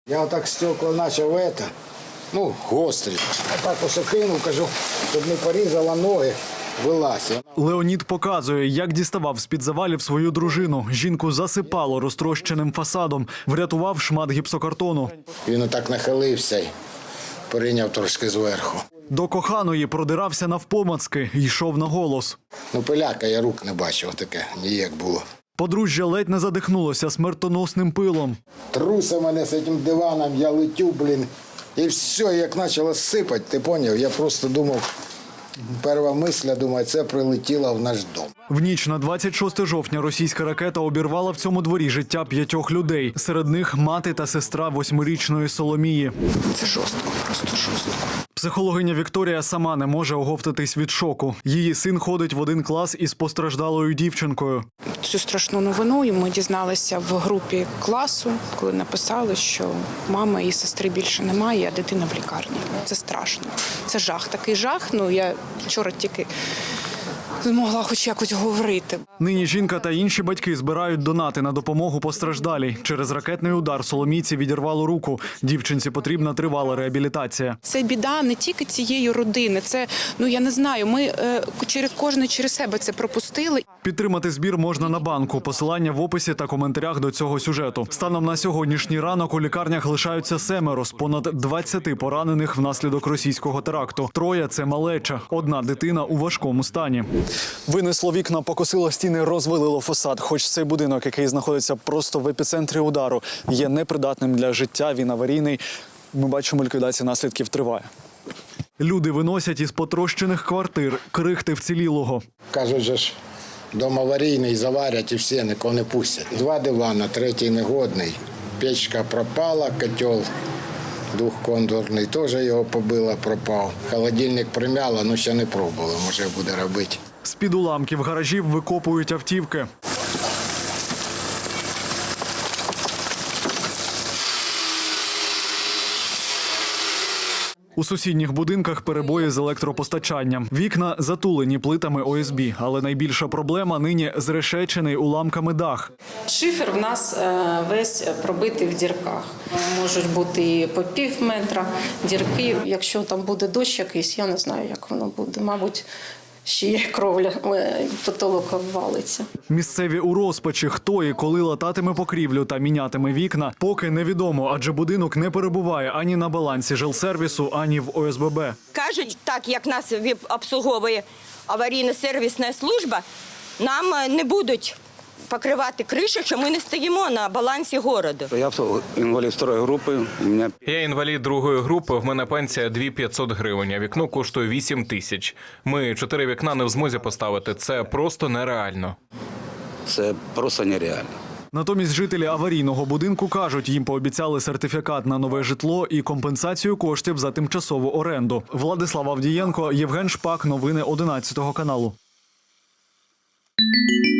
Я отак стекла почав, гострі. Отак ось кинув, кажу, щоб не порізала ноги, вилазь. Леонід показує, як діставав з-під завалів свою дружину. Жінку засипало розтрощеним фасадом, врятував шмат гіпсокартону. Він отак нахилився і прийняв трошки зверху. До коханої продирався навпомацки, йшов на голос. Пиляка, я рук не бачив, таке ніяк було. Подружжя ледь не задихнулося смертоносним пилом. Труса мене з цим диваном, я летю, і все, як почало сипати, ти зрозумів? Я просто думав, перша мисля, думаю, це прилетіло в наш дом. В ніч на 26 жовтня російська ракета обірвала в цьому дворі життя 5 людей. Серед них мати та сестра 8-річної Соломії. Це жорстко, просто жорстко. Психологиня Вікторія сама не може оговтатись від шоку. Її син ходить в один клас із постраждалою дівчинкою. Цю страшну новину ми дізналися в групі класу, коли написали, що мами і сестри більше немає, а дитина в лікарні. Це страшно. Це жах, такий жах. Я вчора тільки змогла хоч якось говорити. Нині жінка та інші батьки збирають донати на допомогу постраждалій. Через ракетний удар Соломійці відірвало руку. Дівчинці потрібна тривала реабілітація. Це біда не тільки цієї родини. Це, я не знаю, ми кожен через себе це пропустили. Підтримати збір можна на банку. Посилання в описі та коментарях до цього сюжету. Станом на сьогоднішній ранок у лікарнях лишаються 7 з понад 20 поранених внаслідок російського теракту. 3 – це малеча. 1 дитина у важкому стані. Винесло вікна, покосило стіни, розвалило фасад. Хоч цей будинок, який знаходиться просто в епіцентрі удару, є непридатним для життя, він аварійний. Ми бачимо, ліквідація наслідків триває. Люди виносять із потрощених квартир крихти вцілілого. Кажуть, же ж, дом аварійний, заварять і всі, нікого не пустять. 2 дивана, 3 негодний. Печка пропала, котел двохконтурний, теж його побило, пропав. Холодильник примяло, ще не пробували, може буде робити. З-під уламків гаражів викопують автівки. У сусідніх будинках перебої з електропостачанням. Вікна затулені плитами ОСБ, але найбільша проблема нині зрешечений уламками дах. Шифер в нас весь пробитий в дірках. Можуть бути і по пів метра дірки. Якщо там буде дощ якийсь, я не знаю, як воно буде. Мабуть, ще є кровля, потолок обвалиться. Місцеві у розпачі, хто і коли лататиме покрівлю та мінятиме вікна, поки невідомо, адже будинок не перебуває ані на балансі жилсервісу, ані в ОСББ. Кажуть, так як нас обслуговує аварійно-сервісна служба, нам не будуть покривати кришу, що ми не стоїмо на балансі городу. Я інвалід 2-ї групи. Я інвалід 2-ї групи, в мене пенсія 2500 гривень, а вікно коштує 8000. Ми 4 вікна не в змозі поставити. Це просто нереально. Це просто нереально. Натомість жителі аварійного будинку кажуть, їм пообіцяли сертифікат на нове житло і компенсацію коштів за тимчасову оренду. Владислав Авдієнко, Євген Шпак, новини 11 каналу.